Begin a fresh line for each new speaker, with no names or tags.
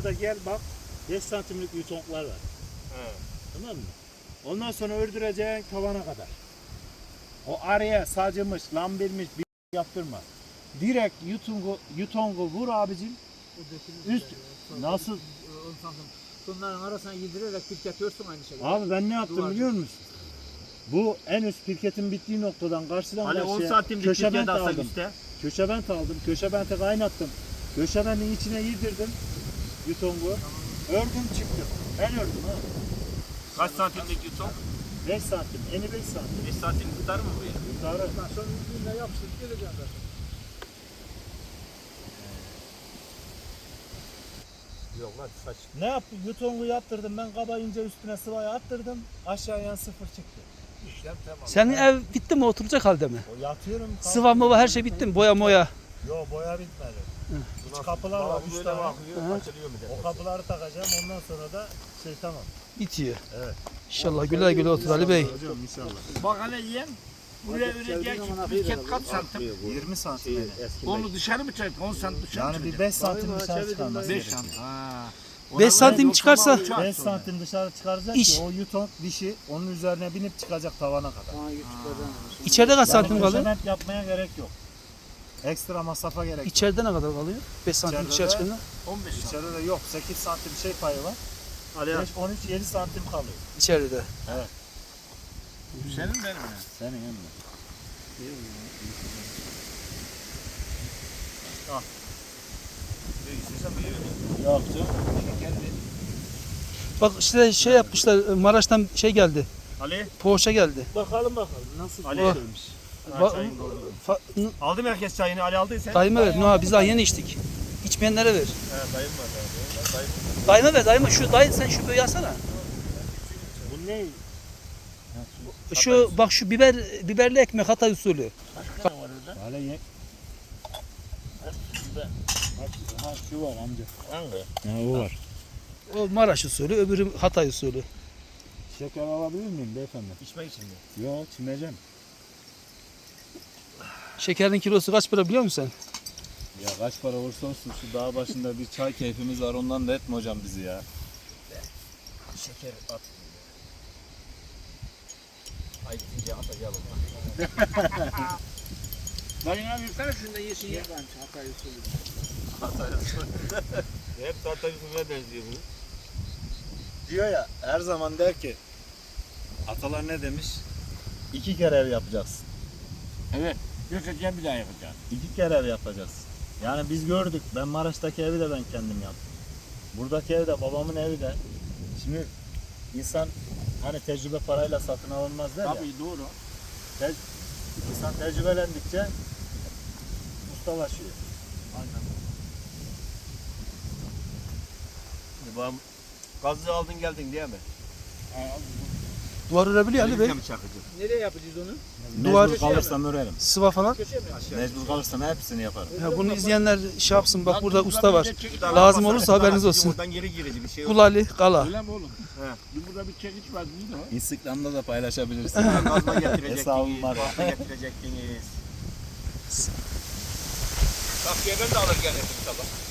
Burada gel bak 5 santimlik yutonklar var.
He.
Tamam mı? Ondan sonra ördüreceksin tavana kadar. O araya sacımış, lambirmiş bir yaptırma. Direkt yutongu vur abicim. Üst nasıl?
Bunların arasına yedirerek pirketiyorsun aynı şekilde.
Abi ben ne yaptım biliyor musun? Bu en üst pirketin bittiği noktadan karşıdan
Hani 10
karşıya
santimlik
köşebent
pirket alsak
aldım.
işte.
Köşebent aldım. Köşebente kaynattım. Köşebentin içine yedirdim yutongu. Ördüm çıktım. Ben ördüm ha.
Kaç santimlik yutok?
5 santim. Eni 5 santim.
5 santim tutar mı bu ya?
Yukarı.
Sonra yüzüne yapıştırıp geleceğim zaten.
Yok lan saç.
Ne yaptım? Yutongu yaptırdım. Ben kabayınca üstüne sıvayı attırdım. Aşağıya sıfır çıktı.
İşlem tamam.
Senin ev bitti mi, oturacak halde mi?
O yatıyorum.
Sıva mıva her şey bitti mi? Boya moya.
Yo boya bitmedi. İç kapılar var. 3 tane.
Bakıyor, açılıyor mu
O kapıları takacağım. Ondan sonra da tamam.
Bitiyor.
Evet.
İnşallah güle güle otur Ali Bey.
Hocam inşallah.
Bak hele yiyen. Buraya örecek pirket kaç santim?
20 santim.
Onu dışarı mı çek? 10 santim dışarı mı
Yani bir
çıkacak?
5 santim dışarı çıkarması
5
gerekiyor.
santim. Ha.
5 santim çıkarsa
5 santim dışarı çıkaracak
İş.
ki o yuton dişi onun üzerine binip çıkacak tavana kadar.
içeride kaç santim kalıyor?
Köşebent yapmaya gerek yok. Ekstra masrafa gerek yok.
İçeride ne kadar kalıyor? 5 santim
İçeride
dışarı
de-
çıkınca.
15 santim.
İçeride de yok. 8 santim payı var. 5, 13, 7 santim kalıyor.
İçeride.
Senin benim ya.
Senin emmi.
İstesem iyi verir.
Yok canım.
Bak işte şey yapmışlar, Maraş'tan şey geldi.
Ali.
Poğaça geldi.
Bakalım nasıl
Ali.
şeymiş.
Aldı mı herkes çayını? Ali aldıysa.
Dayıma ver. Noha biz daha yeni içtik. İçmeyenlere ver.
He dayım var. Dayım.
Dayıma ver, dayıma. Şu dayı sen şu böyle alsana.
Bu ne?
Şu bak şu biberli ekmek Hatay usulü.
Hala ye. Ha şu var amca.
Hangi?
Ha o var.
O Maraş usulü, öbürü Hatay usulü.
Şeker alabilir miyim beyefendi?
İçmek için mi?
Yok çimeceğim.
Şekerin kilosu kaç para biliyor musun sen?
Ya kaç para olursa olsun şu dağ başında bir çay keyfimiz var, ondan da etme hocam bizi ya.
Şeker at. Ay gidince atacağım onu. Dayın abi yutsana şunu da yesin ya. Hep tahta yüzüne benziyor bu.
Diyor ya, her zaman der ki, atalar ne demiş? 2 kere ev yapacaksın.
Evet. Göçeceğim bir daha yapacağım.
2 kere ev yapacaksın.
Yani biz gördük. Ben Maraş'taki evi de ben kendim yaptım. Buradaki ev de babamın evi de. Şimdi insan hani tecrübe parayla satın alınmaz der ya.
Tabii doğru.
İnsan tecrübelendikçe ustalaşıyor.
Aynen. Babam gazı aldın geldin diye mi?
Duvar örebiliyor Ali Bey.
Mi çakıcı?
Nereye yapacağız onu?
Duvar-
Mecbur kalırsam örerim.
Sıva falan.
Köşeye mi?
Mecbur kalırsam hepsini yaparım.
Ya bunu izleyenler şey yapsın, bak burada usta var. Lazım olursa haberiniz olsun.
Oradan geri girecek bir şey yok.
Kul Ali, Kala.
Öyle mi oğlum? He. Burada bir çekiç var değil mi?
Instagram'da da paylaşabilirsin.
Gazma getirecektiniz.
Hesabım var.
Gazma getirecektiniz. Takviyeden de alır gene inşallah.